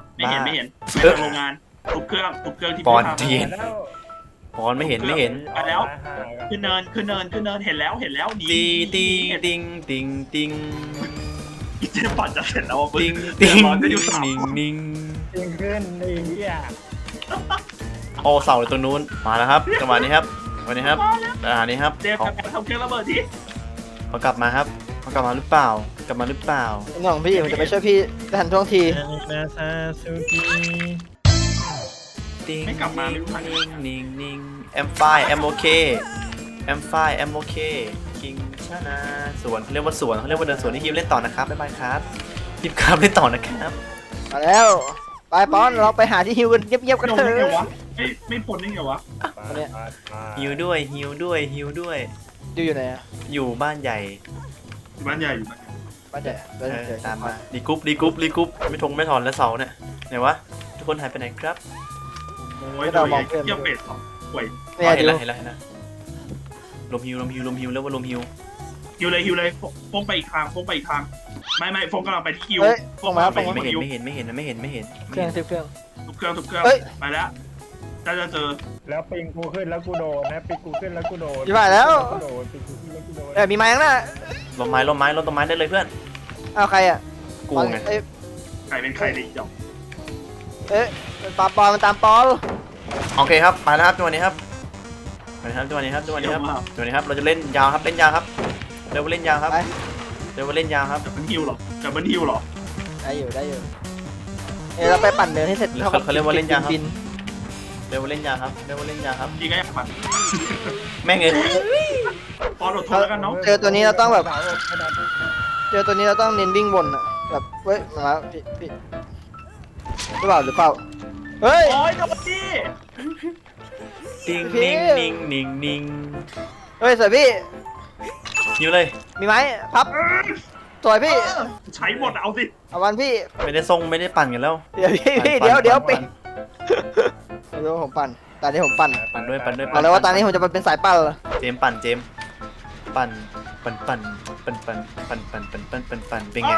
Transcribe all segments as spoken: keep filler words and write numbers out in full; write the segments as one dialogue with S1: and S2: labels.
S1: ไม่เห็น
S2: บ้า
S1: ไม่เห็น
S2: เอ๊ะ
S1: โรงงานทุบเครื่องทุบเครื่องที่
S2: ปอน
S1: พี่ทำ
S2: เทียน
S3: แล้ว
S2: ปอนไม่เห็นไม่เห็น
S1: ไปแล้ว ขึ้นเนินขึ้นเนินขึ้นเนินเห็นแล้วเห็นแล้วหนี
S2: ตีตี
S1: เห็น
S2: ติงติงติง
S1: อีเจปั่นจะเสร็จแล้วอ่ะมึง
S2: ติง
S1: เดื
S2: ติ
S1: อด
S2: ง
S1: ร้อนก็อยู่สาม
S2: นิ่งนิ่ง
S3: จริงขึ้นไอ้เหี้ย
S2: โอ้เสาอยู่ตรงนู้นมาแล้วครับจังหวะนี้ครับวันนี้ครับอ่านี้ครับ
S1: เจมส์
S2: เขา
S1: กลับมาทำเครื่องระเบิดที
S2: เขากลับมาครับเขากลับมาหรือเปล่ากลับมาหรือเปล่า
S4: น้องพี่ผมจะไปช่วยพี่ทันท่วงที
S3: นาซาซูกิ
S2: ติง
S1: ไม่กลับมาไม่รู้ทัน
S2: นิ่งนิ่งนิ่งแอมไฟแอมโอเคแอมไฟแอมโอเคคิงชนะสวนเขาเรียกว่าสวนเขาเรียกว่าเดินสวนที่ฮิวเล่นต่อนะครับบ๊ายบายครับฮิวครับเล่นต่อนะครับ
S4: มาแล้วไปปอนเราไปหาที่ฮิวกันเงียบๆกัน
S1: โดน
S4: เถ
S1: ได้ไง
S4: อะ
S1: วะไม่ไม่พ้นได้ไงวะ
S4: เนี่ย
S2: ฮิวด้วยฮิวด้วยฮิวด้วย
S4: อยู่อยู่ไหนอะ
S2: อยู่บ้านใหญ่
S1: อยู่บ้านใหญ่อยู่บ้านใหญ่
S4: บ้านใหญ่
S2: เออ
S4: เดี๋ยว
S2: ตามมารีกรุ๊ปรีกรุ๊ปรีกรุ๊ปไม่ทงไม่ถอนแล้วเสาเนี่ยไหนวะทุกคนหายไปไหนครับ
S1: โอ้ยโดนไอ้เกี่ยวเป็ดสองป่วย
S4: เนี่
S2: อ๋
S4: ย
S2: อเห็น
S4: ดู
S2: แล้วเห็นแล้วเห็นแล้วลมฮิวลมฮิวลมฮิวแล้วว่าลมฮิว
S1: ฮิวเลยฮิวเลยฟงไปอีกทางฟงไปอีกทางไม่ไม่ฟงกำลังไปที่ฮิว
S4: เฮ้ย
S1: ฟ
S4: ส่
S1: ง
S4: งมาแล้ว
S1: ไป
S4: ส่งมา
S2: ไม่
S1: ที่
S2: เห็น
S1: ฮิว
S2: ไม่เห็นไม่เห็นไม่เห็นไม่เห็น
S4: เครื่องสิบเครื่อง
S1: ทุกเครื่องทุกเครื่อง
S4: เฮ้ย
S1: ไปแล้วจะจะเจอ
S3: แล้วปิงกูขึ้นแล้วกูโดนนะปิงกูขึ้นแล้วกูโดน
S4: อยู่บ้านแล้ว
S3: กูโดนปิงกูขึ้นแล้วกูโดน
S4: เอ้ยมีไม้ข้างหน้า
S2: ลมไม้ลมไม้ลมต้นไม้ได้เลยเพื่อน
S4: เอาใครอ่ะ
S2: กูไง
S4: เอ้ย
S1: ใครเป็นใครเลยเดี๋ยว
S4: เอ้ยมันตามปอนมันตามปอน
S2: โอเคครับไปแล้วครับจังหวะนี้ครับไปครับจังหวะนี้ครับจังหวะนี้ครับจังหวะนี้ครับเราจะเล่นยาวครับเล่นยาวครับเร็วเล่นยาวครับ
S4: ไป
S2: เร็วเล่นยาวครับ
S1: จะเป็นฮิวเหรอจะเป็นฮิวเหรอ
S4: ได้อยู่ได้อยู่เอ้ยเราไปปั่นเดินให้เสร็จ
S2: เขาเขาเรียกว่าเล่นยาวครับ
S4: บิน
S2: เร็วเล่นยาวครับเร็วเล่นยาวครับ
S1: พี่ก็อยากปั่น
S2: แม่งเอ้ย
S1: ปอนอดทนแล้วกันเนาะ
S4: เจอตัวนี้เราต้องแบบ
S3: สาวขนาดนี้
S4: เจอตัวนี้เราต้องเน้นวิ่งบนอ่ะแบบเฮ้ยมาแล้วพี่พี่หรือเปล่าหรือเปล่าเฮ้ย
S1: โอ้ยโดนดิ
S2: ติง
S4: พี่
S2: นิ่งนิ่งนิ่งนิ่ง
S4: เฮ้ยสวยพี่
S2: หิวเลย
S4: มีไหมพับสวยพี่
S1: ใช้หมดเอาสิ
S4: เอาวันพี่
S2: ไม่ได้ทรงไม่ได้ปั่นกันแล้ว
S4: เดี๋ยวพี่พี่
S2: ปั่น
S4: เดี๋ยวเดี๋ยว
S2: ปั่
S4: ปิ
S2: น
S4: เดี๋ยวผมปั่นตอนนี้ผมปั่น
S2: ปั่นด้วยปั่นด้วย
S4: บอกเลยว่าตอนนี้ผมจะเป็นสายปั่นเลย
S2: เจมส์ปั่นเจมส์ปั่นปั่นปั่นปั่นปั่นปั่นปั่นปั่นปั่นปั่นปั่นเป็นไง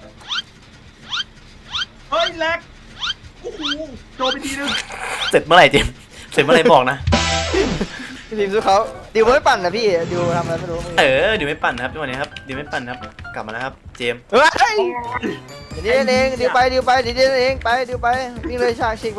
S1: เฮ้ยแลกโอ้โหโดนไปทีนึง
S2: เสร็จเมื่อไหร่เจมส์เสร็จเมื่อไหร่บอกนะ
S4: พี่พิมพ์สู้เขาดิวไม่ปั่นนะพี่ดิวทำอะไรไม่รู้
S2: เออเดี๋ยวไม่ปั่นครับจังหวะนี้ครับเดี๋ยวไม่ปั่นครับกลับมาแล้วครับเจมส์
S4: เฮ้ย
S1: โอ้ย
S4: เดี๋ยวเองดิวไปดิวไปเดี๋ยวเองไปดิวไปวิ่งเลยฉากฉีกไปเลย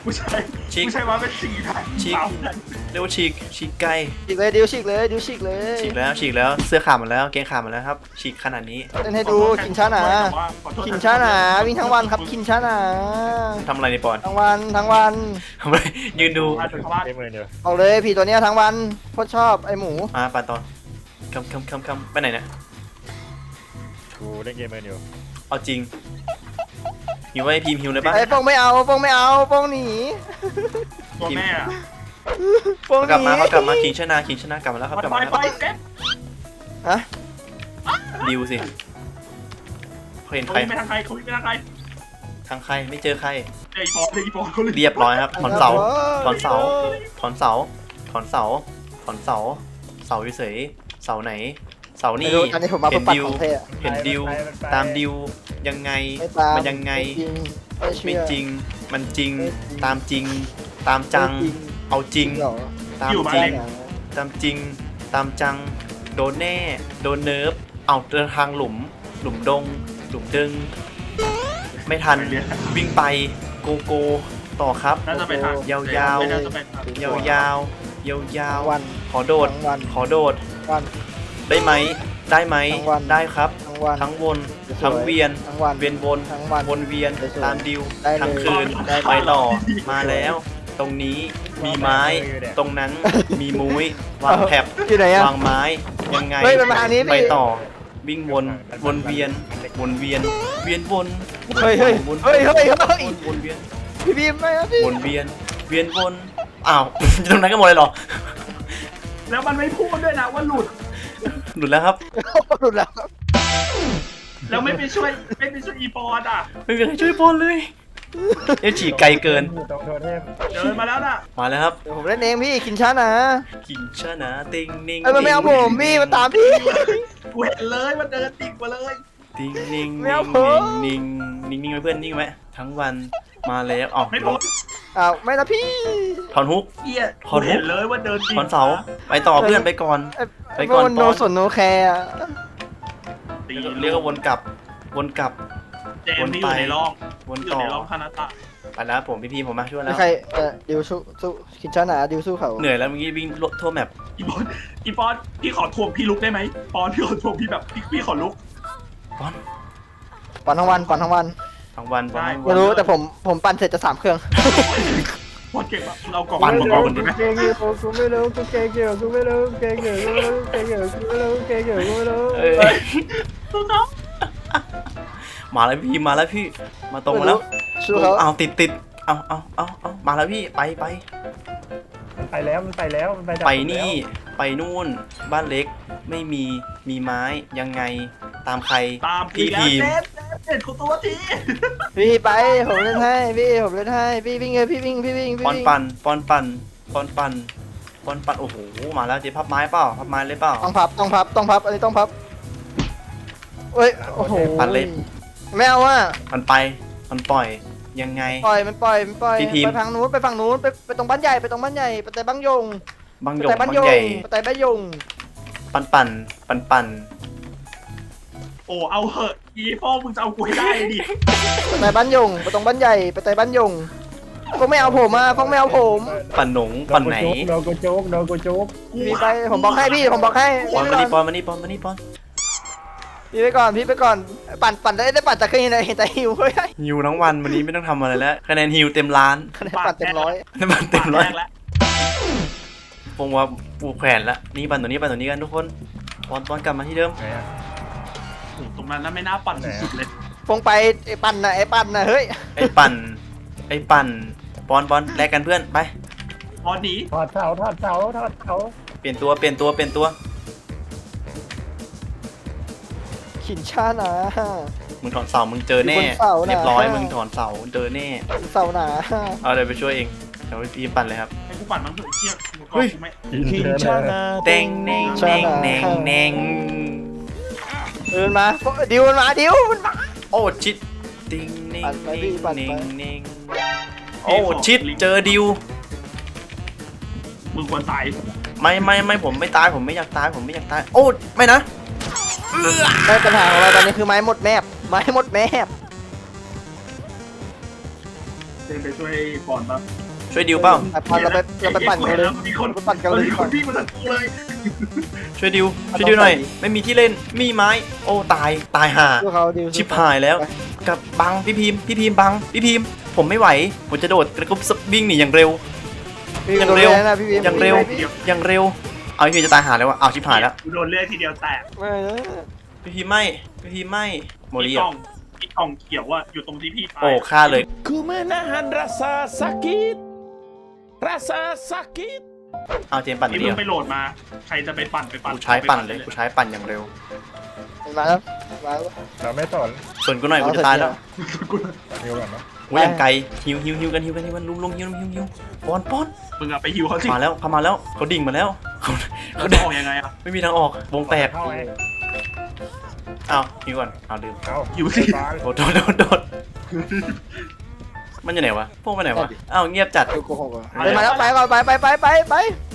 S1: ผู้ชาย
S2: ฉีก
S1: ผู้ชายมาเป็นสี่ทาง
S2: ฉีก
S1: สามทาง
S2: เรียกว่าฉีกฉีกไก่
S4: ฉีกเลยดิวฉีกเลยดิวฉีกเลย
S2: ฉีกแล้วฉีกแล้วเสื้อขาดหมดแล้วเกงขาดหมดแล้วครับฉีกขนาดนี้
S4: เล่นให้ดูคินชาหนา
S1: ขอโทษ
S4: คินชาหนาวิ่งทั้งวันครับคินชาหนา
S2: ทำอะไรในปอน
S4: ทั้งวันทั้งวัน
S2: ทำอะไรยืนดู
S1: มาถึงบ้าน
S3: เกมเลยเดียว
S4: เอาเลยผีตัวเนี้ยทั้งวันโคตรชอบไอหมู
S2: มาปานตอนคำคำคำคำไปไหนเนี่ย
S3: กูเล่นเกมเลยเดียว
S2: เอาจริงหิวไว้พิมพ์หิวเลยปะ
S4: ไอโป้งไม่เอาโป้งไม่เอาโป้งหนี
S1: ตัวแม่อะ
S4: โป้งห
S2: กลับ
S4: นี
S2: มาเขากลับมาคิงชนะคิงชนะกลับมาแล้วครับ
S1: ไป
S2: กลับ
S1: ไป
S2: มาแล้ว
S1: ไปเก็บ
S4: ฮะ
S2: ดิวสิเขาเห็น
S1: เขา
S2: ใคร
S1: วิ่งไปทางใครเขาวิ่งไปทางใคร
S2: ทางใครไม่เจอใคร
S1: เจออีปอเจออีปอเขาเลย
S2: เรียบร้อยครับถอนเสาถอนเสาถอนเสาถอนเสาถอนเสาเสาเฉยๆเสาไหน เสา
S4: ไม่
S2: นี่
S4: รู้อันนี้ผมมา
S2: เห็
S4: เพื่อน ปัด
S2: ดิว
S4: ของเท่
S2: เห็นดิวตามดิวยังไง
S4: ไม่ตาม
S2: มันยังไง
S4: ไม่เชื่
S2: ไม่
S4: อ
S2: จริงมันจริง
S4: ไม่จริง
S2: ตามจริง ตามจัง
S4: ไม่จริง
S2: เอาจริง
S4: เหรอ
S2: ตาม
S1: อยู่
S2: จ
S1: บ้าน
S2: ริง
S1: เล็ก
S2: ตามจริง ตามจัง โดนแน่ โดนเนิร์ฟ เอาเดินทางหลุม หลุมดง หลุมดึง ไม่ทัน วิ่งไป โกโก ต่อครับ
S1: น่าจะไปทาง
S2: ยาวๆ
S1: น่าจะไปทาง
S2: ยาวยาวยาวยาว
S4: ทั้งวัน
S2: ขอโดด
S4: ทั้งวัน
S2: ขอโดด
S4: วัน
S2: ได้ไหม ได้ไหม
S4: ทั้งวัน
S2: ได้ครับ
S4: ทั้งวัน
S2: ทั้งวน
S4: สวย
S2: ทั้งเวียน
S4: ทั้งวัน
S2: เวียนวน
S4: ทั้งวัน
S2: วนเวียน
S4: สวย
S2: ตามดิว
S4: ได้เลย
S2: ทั้งคืน
S4: ได้เลย
S2: ไปต่อ มาแล้ว ตรงนี้มีไม้ ตรงนั้นมีมุ้ย วางแผบ
S4: อยู่ไหนอะ
S2: วางไม้ ยังไง
S4: เฮ้ยมันมาทางนี้พี่
S2: ไปต่อ วิ่งวน วนเวียน วนเวียน เวียนวน
S4: เฮ้ยเฮ้ย
S2: วน
S4: เฮ้ยเฮ้ยเฮ้ย
S2: วนวนเวียน
S4: พี่บีมไม่ครับพี่
S2: วนเวียน เวียนวน อ้าว ตรงนั้นก็หมดเลยเหรอ
S1: แล้วมันไม่พูดด้วยนะว่าหลุด
S2: หลุดแล้วครับ
S4: หลุดแล้วครับ
S1: แล้วไม่ไปช่วยไม่ไปช่วยอีปอนอ่ะ
S2: ไม่มีใครช่วยบอลเลยเอฉีกไกลเกิน
S3: ตรงโทเทพ
S1: เดินมาแล้วน่ะ
S2: มาแล้วครับ
S4: เดี๋ยวผมเล่นเองพี่กินช้านะ
S2: กินชนะติงนิ่ง
S4: เอ้ยมันไม่เอาผมพี่มันตามพี่
S1: กูเห็นเลยมันเดินติ่งมาเลย
S2: ติงนิ่ง
S4: ไม่
S2: นิ่
S4: เอา
S2: ง
S4: ผม
S2: นิ่งนิ่งนิ่งไว้เพื่อนนิ่งไว้ทั้งวันมาแล้วอ๋อ
S1: ไม่พ้น
S4: อ้าวไม่นะพี่
S2: ถอนฮุก
S1: เหี้ย
S2: ถอน
S1: กู
S2: ฮุก
S1: เห็นเลยว่าเดินติ่ง
S2: ถอนเสาไปต่อเพื่อนไปก่อน
S4: ไอ้
S2: ไปก่อน
S4: มันโน
S2: ปอน
S4: สนโนแคร์อะ
S1: ตี
S2: เรียกว่าวนกลับวนกลับ
S1: เจมส์ที่อยู่ในร่อง
S2: วน
S1: อยู่
S2: ต่อ
S1: ในร่องคานาตะ
S2: ไปแล้วผมพี่พีผมมาช่วยแล้
S4: ไม่
S2: ว
S4: ใครเออดิวสู้สู้กินช้านะดิวสู้เขา
S2: เหนื่อยแล้วเมื่อกี้วิ่งทั่วแมป
S1: อีปอนอีปอนพี่ขอทวงพี่ลุกได้ไหมปอนพี่ขอทวงพี่แบบพี่พี่ขอลุก
S2: บอล
S4: ปั่นทั้งวันปั่นทั้งวัน
S2: ทั้งวันบอลทั้ง
S4: ไม่
S2: วัน
S4: รู้แต่ผมผมปั่นเสร็จจะสามเครื่อง
S1: ปอนเก่งปะเรากล่อง
S2: ปั่น
S1: มังกรคน
S3: กู
S1: นี้ไหม
S3: เก่งอยู่กูไม่รู้กูเก่งอยู่กูไม่รู้เก่งอยู่กูไม่รู้เก่งอยู่กูไม่รู้เก่งอยู่กูไม่รู้
S2: เอ้ยมาแล้วพี่มาแล้วพี่มาตรงมาแล้ว
S4: สู้เขา
S2: เอาติดติดเอาเอาเอาเอามาแล้วพี่ไปไป
S3: มันไปแล้วมันไปแล้วมันไปดับ
S2: ไป
S3: ผมแล้ว
S2: นี่ไปนู่นบ้านเล็กไม่มีมีไม้ยังไงตามใคร
S1: ตาม
S2: พี่
S1: พี่แล้ว
S2: ทีม
S1: เน็ตเน็ตเน็ตของตัวที
S4: พี่ไปผมเล่นให้พี่ผมเล่นให้พี่วิ่งเลยพี่วิ่งพี่วิ่งพี่
S2: ปอน
S4: วิ่ง
S2: ปันปอนปันปอนปันปอนปันโอ้โหมาแล้วเจ๊พับไม้เปล่าพับไม้เลยเปล่า
S4: ต้องพับต้องพับต้องพับอันนี้ต้องพับเอ้ยโอ้โห
S2: ปั่นเลย
S4: ไม่เอาอ่ะ
S2: มันไปมันปล่อยยังไง
S4: ปล่อยมันปล่อยมันปล่อย
S2: พี่พิมพ์
S4: ไปทางนู้นไปฝั่งนู้นไปไปตรงบ้านใหญ่ไปตรงบ้านใหญ่ไปแต่บ้านยง
S2: บาง
S4: ไป
S2: หยง
S4: แต่บ้า
S2: บาน ง
S4: ยง
S2: ใหญ่
S4: ไปแต่บ้านยง
S2: ปันปันปันปัน
S1: โอ้เอาเหอะอีพ่อมึงจะเอากูให้ได้ดิ
S4: ไปแต่บ้านยงไปตรงบ้านใหญ่ไปแต่บ้านยงพวกไม่เอาผมอ่ะพวกไม่เอาผม
S2: ปันหนงปันไหน
S3: โดนกูโจ๊กโดนกูโจ๊ก
S4: พี่ไปผมบอกให้พี่ผมบอกให้
S2: ปอน
S4: พี่
S2: มา
S4: ไป
S2: นี่ป
S4: ก่
S2: อ
S4: อน
S2: นมานี่ปอนมานี่ปอน
S4: พี่ไปก่อนพี่ไปก่อนปั่นปั่นได้ได้ปั่นจากเครื่องไหนแต่หิวเฮ้ย
S2: ฮิวทั้งวันวันนี้ไม่ต้องทำอะไรแล้วคะแนนฮิวเต็มล้าน
S4: คะแนนปั่นเต็มร้อย
S2: มันเต็มร้อย
S1: ปากแรกแล้ว
S2: ปงว่าปูแขวนละนี่ปั่นตัวนี้ปั่นตัวนี้กันทุกคนปอนปอนกลับมาที่เดิม
S3: ไหนอะ
S1: โอ้ตรงนั้นน่ะไม่น่าปั่นสุดๆเลย
S4: พงไปไอ้ปั่นนะไอ้ปั่นนะเฮ้ย
S2: ไอ้ปั่นไอ้ปั่นปอนปอนแลกกันเพื่อนไป
S1: พอหนี
S3: ถอดเสาถอดเสาถอดเสา
S2: เปลี่ยนตัวเปลี่ยนตัวเปลี่ยนตัว
S4: ขินชาหนา
S2: มึงถอนเสามึงเจอแน่
S4: อยู่บนเสาน่ะ
S2: เรียบร้อยมึงถอนเสาเจอแน่
S4: เสาหนา
S2: เอาเดี๋ยวไปช่วยเองเดี๋ยวพี่ปั่นเลยครับ
S1: ให้กูปั่นมั้งเถอะไอ้เหี้ยกูก็
S2: เฮ้ย
S1: กูไม่
S5: คินชานา
S2: เต็งเน่งเน่งเน่งเน่ง
S4: เดินมาดิวมันมาดิวมันมา
S2: โอ้ชิดติงเน่ง
S4: ปั่นไป
S2: เน่
S4: พี่
S2: ง
S4: ปั่นไป
S2: เน่งเน่งโอ้ชิดเจอดิว
S1: มึงควรตาย
S2: ไม่ไม่ไม่ผมไม่ตายผมไม่อยากตายผมไม่อยากตายโอ้ไม่นะ
S4: ไม่ปัญหาของเราตอนนี้คือไม้หมดแมพไม้หมดแมพ
S1: เดินไปช่วยปอนปะ
S2: ช่วยดิวเปล่า
S4: ไปปั่นเราไปเราไปปั่นกันเลย
S1: มีคน
S4: ไปปั่นกันเลย
S1: มีคนวิ่งมาจากกูเลย
S2: ช่วยดิวช่วยดิวหน่อย ไม่มีที่เล่นมีไม้โอ้ตายตายห่า
S4: พวกเขาดิว
S2: ชิบหายแล้วกับบังพี่พิมพ์พี่พิมพ์บังพี่พิมพ์ผมไม่ไหวผมจะโดดกระกุบวิ่งหนีอย่างเร็ว
S4: พี่
S2: อย่างเร็ว
S4: โดนแน่นะพี่พิมพ์
S2: อย่างเร็วอย่างเร็วเอาพี่พิมพ์จะตายหาแล้ววะเอาชิบหายแล้ว
S1: กูโดนเลือดทีเดียวแตก
S4: ไม่นะ
S2: พี่พิมพ์ไม่พี่พิมพ์ไม่โม
S1: มี
S2: ลี
S1: กล่
S2: อ่ะ
S1: องมีกล่องเขียวอะอยู่ตรงที่พี่ตาย
S2: โอ้ฆ่าเลย
S5: Ku menahan rasa sakit. Rasa sakit.
S2: เอาเจมส์ปั่น
S1: ที่
S2: เดี
S1: มึ
S2: ย
S1: ง
S2: ว
S1: ไปโหลดมา ใครจะไปปั่นไปปั่น
S2: กูใช้ปั่นเลยกูใช้ปั่นอย่างเร็ว
S4: มาแล้วมาแล้ว
S3: เราไม่สน
S2: ส่วนกูหน่อยกูจะตายแล้ว
S3: นิวก่อนเนาะ
S2: โอ้ยอย่างไกลฮิวฮิวฮิวกันฮิวกันฮิวกันลุมลุมฮิวฮิวฮิวป้อนป้อน
S1: มึงอะไปฮิวเขาสิ
S2: มาแล้วเขามาแล้วเขาดิ่งมาแล้วเขา
S1: เขา
S2: เขา
S1: จะออกยังไงอะ
S2: ไม่มีทางออกวงแตก
S3: เข้าไง
S2: อ้าวฮิวก่อนเอาลืม
S3: เข้า
S1: ฮิวสิ
S3: บาง
S2: โดดโดดโดดโดดมันอยู่ไหนวะพวกไปไหนวะอ้าวเงียบจัด
S4: ดิวโกหกอ่ะไปมาแล้วไปก่อนไปไปไปไปไป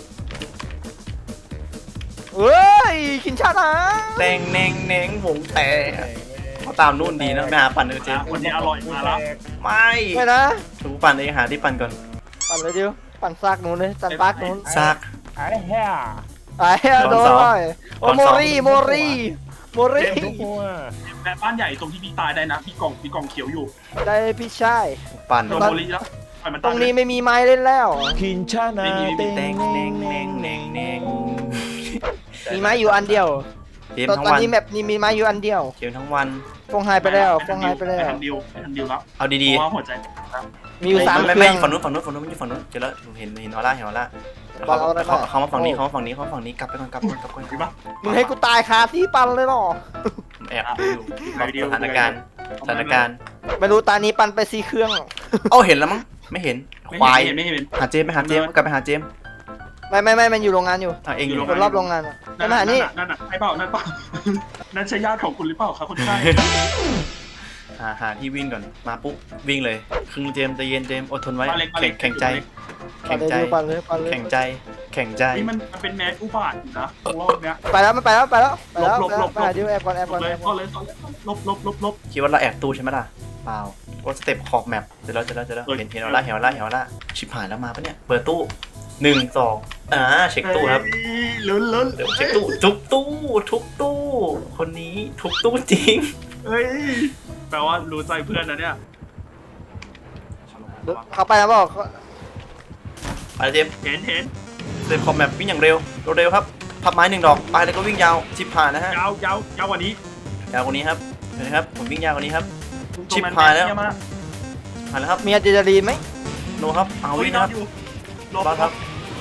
S4: เฮ้ยคินชานะ
S2: แตงแนงแนงวงแตกเขาตามนู่นดีนะไม่หาปั่นเออเจมส์
S1: วันนี้อร่อยมาแล้ว
S2: ไม่
S4: ไม่นะ
S2: ถูกปั่นเองหาที่ปั่นก่อน
S4: ปั่นเลยดิวปั่นซากนู้นเลยปั่นปากนู้น
S2: ซาก
S3: ไอ้เหี้ย
S4: ไอ้เหี้ยโดนเลยโอ้
S2: ตอน
S4: โม
S2: สอง
S4: รีโมรีโมรี
S3: ทุกหัว
S1: แต่บ้านใหญ่ตรงที่พี่ตายได้นะพี่กล่องพี่กล่องเขียวอยู่
S4: ได้พี่ชาย
S2: ปั่น
S1: โดนโมลิแล้วปล่อยมัน
S4: ตร
S1: ตาย
S4: งนี้ไม่มีไม้เล่นแล้ว
S5: Kincana.
S2: แตงแนงแนงแนงแนง
S4: มีไม้อยู่อันเดียว
S2: เกม
S4: ตอน
S2: ทั้ง
S4: ตอน
S2: วัน
S4: นี้แมปนี้มีไม้อยู่อันเดียว
S2: เกมทั้งวัน
S4: ฟงหายไปแล้วฟงหายไปแล้ว
S1: ไปทางดิวไปทางดิวแล้ว
S2: เอา
S1: เพ
S2: ดี
S1: ราะว่าหัวใจ
S4: มีอยู่สาม
S2: ๆไม่
S4: เค
S2: ไม่
S4: รื่อง
S2: ฝั่งนู้นฝั่งนู้นฝั่งนู้นมันอยู่ฝั่งนู้นเจอแล้วเห็นเห็นออร่าเห็นออร่า
S4: บอลเอาได้
S2: เขา
S4: ปะ
S2: เขามาฝั่งนี้เขามาฝั่งนี้เขามาฝั่งนี้กลับไปก่อนกลับไปก่อนกลับไปก่อน
S1: ดีปะ
S4: มึงให้กูตายคาที่ปันเลยเหรอ
S2: ผมแอบดูอยู่สถานการณ์สถานการณ์
S4: ไม่รู้ตานี้ปันไปสี่เครื่อง
S2: เอ้าเห็นแล้วมั้งไม่เห็น
S1: ไม่
S2: ควาย
S1: เห็นไม่เห็น
S2: หาเจมไปหาเจมกลับไปหาเจม
S4: ไม่ไม่ไม่มันอยู่โรงงานอยู่
S2: อ่ะเองอยู่
S4: คนรอบโรงงานอะไม่มาหานี่
S1: นั่นน่ะใช่เปล่านั่นเปล่านั่นใช่ญาติของคุณหรือเปล่าครับคุณชาย
S2: หาหาที่วิ่งก่อนมาปุ๊บวิ่งเลยครึ่งเจมใจเย็นเจมอดทนไว้แข่งแข่งใจ
S4: ปั
S2: แข่
S4: น
S2: ง
S4: เลย
S2: ใจ
S4: ดิวปันเลยปันเลย
S2: แข่งใจแข่งใจ
S1: นี่มันมันเป็นแมสอุบาทอยู่นะรอบเนี้ย
S4: ไปแล้วมันไปแล้วไปแล้วไปแล้ว
S1: หลบหลบหลบ
S4: ไปหาดิวแอบก่อนแอบ
S1: ล
S4: ก่อบ น
S1: เลย
S4: แอบ
S1: ก็
S4: ก่อน
S1: เลยลบลบลบลบ
S2: คิดว่าเราแอบตู้ใช่ไหมล่ะเปล่ากดสเต็ปขอบแมปเจอแล้วเจอแล้วเจอแล้วเห็นเห็นออร่าเห็นออร่าเห็นออร่าชิบหายแล้วมาปะเนี่ยเปิดตู้หนึ่งสองอ่าเช็คตู้ครับ
S1: ลุ้นลุ้น
S2: เดี๋ยวเช็คตู้ทุกตู้ทุกตู้ คนนี้ทุกตู้จริง
S1: เฮ้ยแปลว่ารู้ใจเพื่อนนะเนี่ย
S4: เขาไปแล้วบอก
S2: ไปเจมส์
S1: เห็นเห็น
S2: เต็มคอมแมปวิ่งอย่างเร็วเร็วครับพับไม้หนึ่งดอกไปแล้วก็วิ่งยาวชิบหายนะฮะ
S1: ยาวยาวยาวกว่านี้
S2: ยาวกว่านี้ครับเห็นไหมครับผมวิ่งยาวกว่านี้ครับ
S1: ตรง
S2: ชิบ
S1: นั้น
S2: หายแล้ว
S1: เมา
S2: หายแล้วครับ
S4: มีอะดรีนาลีนไหม
S2: โนครับเอา
S1: เฮ้ย
S2: วิ่ง
S1: นอ
S2: นะคน รับ
S1: อยู่หล
S2: รอดครับ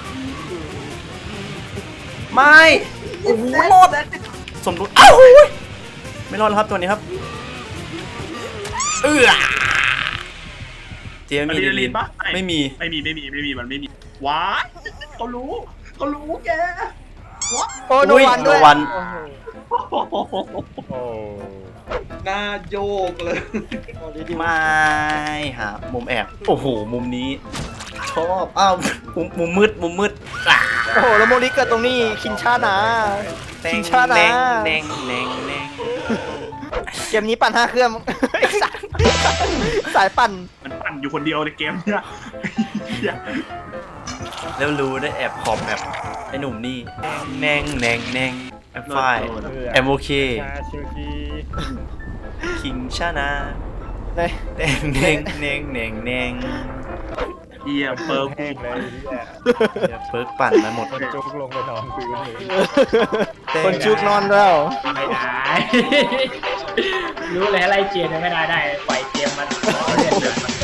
S2: ไม่โอ้โหรอดสมดุลอ้าวไม่รอดแล้วครับตัวนี้ครับเอื้อเจม
S1: อะ
S2: มี
S1: ดรี
S2: ดี
S1: นา
S2: ลี
S1: ลี
S2: น
S1: นปะ
S2: ไม่มี
S1: ไม่มีไม่มีไม่มีมันไม่มีว้ายเขารู้เขารู้แก
S4: โอ้โนวันด้วย
S2: โนวัน
S4: โอ้โห
S3: โอ้
S1: หน้าโยกเลย
S4: โอ้ดีดี
S2: ไม่หามุมแอบโอ้โหมุมนี้ชอบอ้าวมุมมุมมืดมุมมืดอ่ะ
S4: โอ้โหแล้วโมลิเกิดตรงนี้คินชานะ
S2: แด
S4: ชิ
S2: ง
S4: งช้านะ
S2: แดงแดงแดงแดง
S4: เกมนี้ปั่นห้าเครื่อง ไอ้สัสสายปั่น
S1: มันปั่นอยู่คนเดียวในเกมเนี่ยเหี้ย
S2: แล้วรู้ได้แอบขอบแบบไอ้หนุ่มนี่แนงแนงแนงแอปไฟแอมโอเค
S3: ชาชิวจี
S2: คิงชานะ
S4: เลย
S2: แดงแดงแดงแดงแดง
S1: เยี่ยมเปิร์
S3: แห้งเลยเนี่ย
S2: เดี๋ยวเพิร์กปั่นมาหมด
S3: คนจุกลงไปนอนพื้นเลย
S4: คนชุกนอนแล้ว
S6: ไม่ได้ รู้เลยไล่เกมไม่ได้ได้ปล่อยเกมมันเล่นเลย